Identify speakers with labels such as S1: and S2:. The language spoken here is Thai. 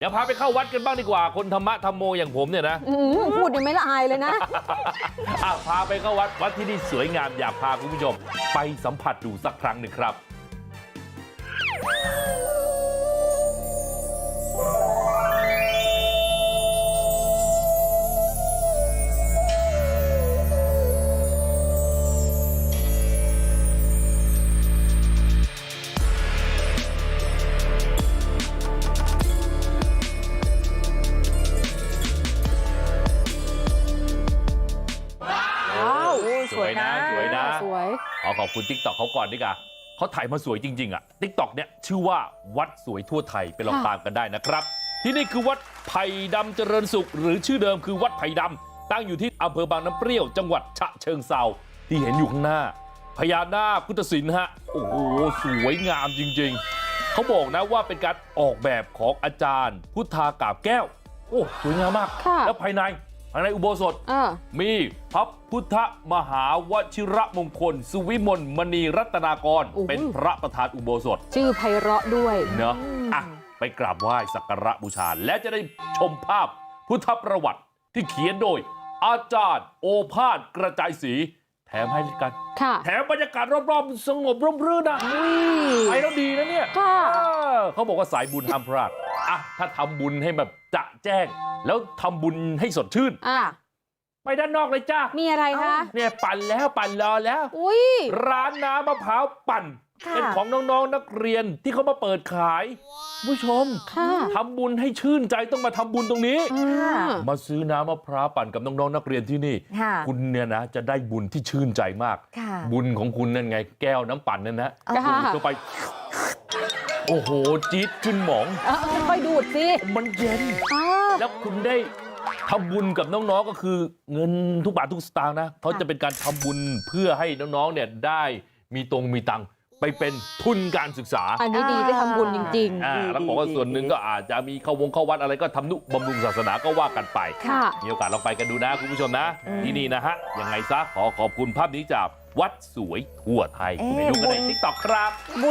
S1: เดี๋ยวพาไปเข้าวัดกันบ้างดีกว่าคนธรรมะธรรมโมอย่างผมเนี่ยนะ
S2: พูดยังไม่ละอายเลยนะ
S1: พาไปเข้าวัดที่นี่สวยงามอยากพาคุณผู้ชมไปสัมผัสดูสักครั้งหนึ่งครับสวยนะ
S2: สวย
S1: ขอบคุณ TikTok เขาก่อนดีกว่าเขาถ่ายมาสวยจริงๆอ่ะ TikTok เนี่ยชื่อว่าวัดสวยทั่วไทยไปลองตามกันได้นะครับที่นี่คือวัดไผ่ดำเจริญสุขหรือชื่อเดิมคือวัดไผ่ดำตั้งอยู่ที่อำเภอบางน้ำเปรี้ยวจังหวัดฉะเชิงเทราที่เห็นอยู่ข้างหน้าพญานาคพุทธศิลป์ฮะโอ้โหสวยงามจริงๆเขาบอกนะว่าเป็นการออกแบบของอาจารย์พุทธากาบแก้วโอ้สวยงามมากแล้วภายในอุโบสถมีพระพุทธมหาวชิระมงคลสุวิมลมณีรัตนากรเป็นพระประธานอุโบสถ
S2: ชื่อไพเราะด้วย
S1: เนอะไปกราบไหว้สักการะบูชาและจะได้ชมภาพพุทธประวัติที่เขียนโดยอาจารย์โอภาสกระจายศรีแถมให้กันแถมบรรยากาศรอบๆสงบร่มรื่นนะไปแล้วดีนะเนี่ยเขาบอกว่าสายบุญห้ามพลาดถ้าทำบุญให้แบบจะแจ้งแล้วทำบุญให้สดชื่นไปด้านนอกเลยจ้า
S2: มีอะไรคะ
S1: เนี่ยปั่นรอแล้วร้านน้ำมะพร้าวปั่นเป็นของน้องๆนักเรียนที่เขามาเปิดขายผู้ชมทำบุญให้ชื่นใจต้องมาทำบุญตรงนี้มาซื้อน้ำมะพร้าวปั่นกับน้องๆนักเรียนที่นี่คุณเนี่ยนะจะได้บุญที่ชื่นใจมากบุญของคุณนั่นไงแก้วน้ำปั่นนั่นนะดูดเข้าไปโอ้โหจี๊ดขึ้นหมอง
S2: ค่อยดูดสิ
S1: มันเย็นแล้วคุณได้ทำบุญกับน้องๆก็คือเงินทุกบาททุกสตางค์นะเขาจะเป็นการทำบุญเพื่อให้น้องๆเนี่ยได้มีตังค์ไปเป็นทุนการศึกษา
S2: อันนี้ดีได้ทำบุญจริง
S1: ๆแล้วบอกว่าส่วนหนึ่งก็อาจจะมีเข้าวัดอะไรก็ทำนุบำรุงศาสนาก็ว่ากันไปมีโอกาสลองไปกันดูนะคุณผู้ชมนะที่นี่นะฮะยังไงซะขอบคุณภาพนี้จากวัดสวยทั่วไทยไปดูกันใน TikTok ครับ